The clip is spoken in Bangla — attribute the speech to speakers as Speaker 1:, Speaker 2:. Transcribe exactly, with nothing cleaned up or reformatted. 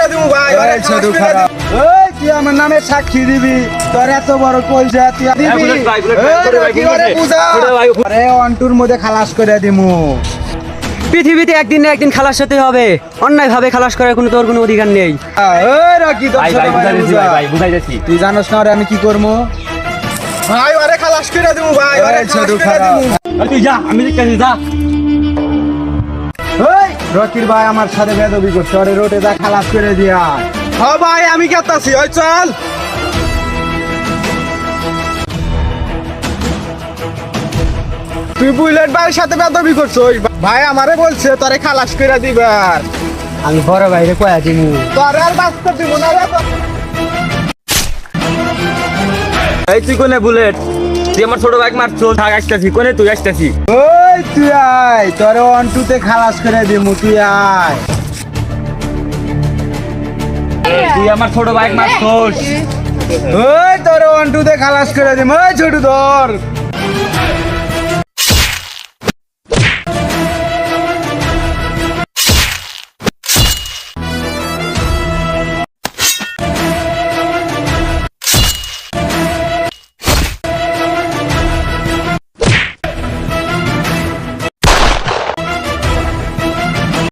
Speaker 1: দিমু ভাই
Speaker 2: ওরে ছোট খারাপ ওই তুই আমার নামে সাক্ষী দিবি তোর এত বড় কইজা তুই দিবি
Speaker 1: বুলেট ভাই, বুলেট ভাই, ছোট ভাই,
Speaker 2: কি করে
Speaker 1: বুঝে।
Speaker 2: বুঝা
Speaker 1: ছোট ভাই,
Speaker 2: আরে অন্টুর মধ্যে খালাস করে দিমু
Speaker 3: পৃথিবীতে একদিন না একদিন খালাস হতে হবে, অন্যায় ভাবে খালাস করার কোনো তোর কোনো অধিকার নেই।
Speaker 2: ওই রকি তোর
Speaker 1: ভাই
Speaker 2: ছোট
Speaker 1: ভাই
Speaker 2: ভাই
Speaker 1: বুঝাইতেছি
Speaker 2: বুঝা।
Speaker 1: ভাই ভাই বুঝাইতেছি
Speaker 2: তুই জানোস না ওরে আমি কি করবো
Speaker 1: ভাই ওরে খালাস করে দিমু ভাই ওরে
Speaker 2: ওরে ছোট
Speaker 1: ছোট
Speaker 2: খারাপ
Speaker 1: খারাপ তুই যা আমি দেখতেছি যা
Speaker 2: ওই রকির ভাই আমার সাথে বেদবি করছে ওরে রোটে যা খালাস করে দিয়া
Speaker 1: হ্যাঁ ভাই আমি কেতাছি ওই চল তুই বুলেট ভাইয়ের সাথে বেদবি করছিস ভাই আমারে বলছে তোরে খালাস করে দিবার
Speaker 3: আমি বড় ভাইরে কয়া দিমু।
Speaker 1: তোরে আর বাঁচতে দিব না রে এই তুই কোনে বুলেট তুই আমার ছোট ভাই মারছো থাক আসতেছি কোনে তুই আসতেছি
Speaker 2: ওই তুই আয় তোরে অন্টুতে খালাস করে দিমু তুই আয়
Speaker 1: তুই আমার ছোট ভাই মারছোস
Speaker 2: ওই তোরে অন্টুতে খালাস করে দিমু ওই ছোট ধর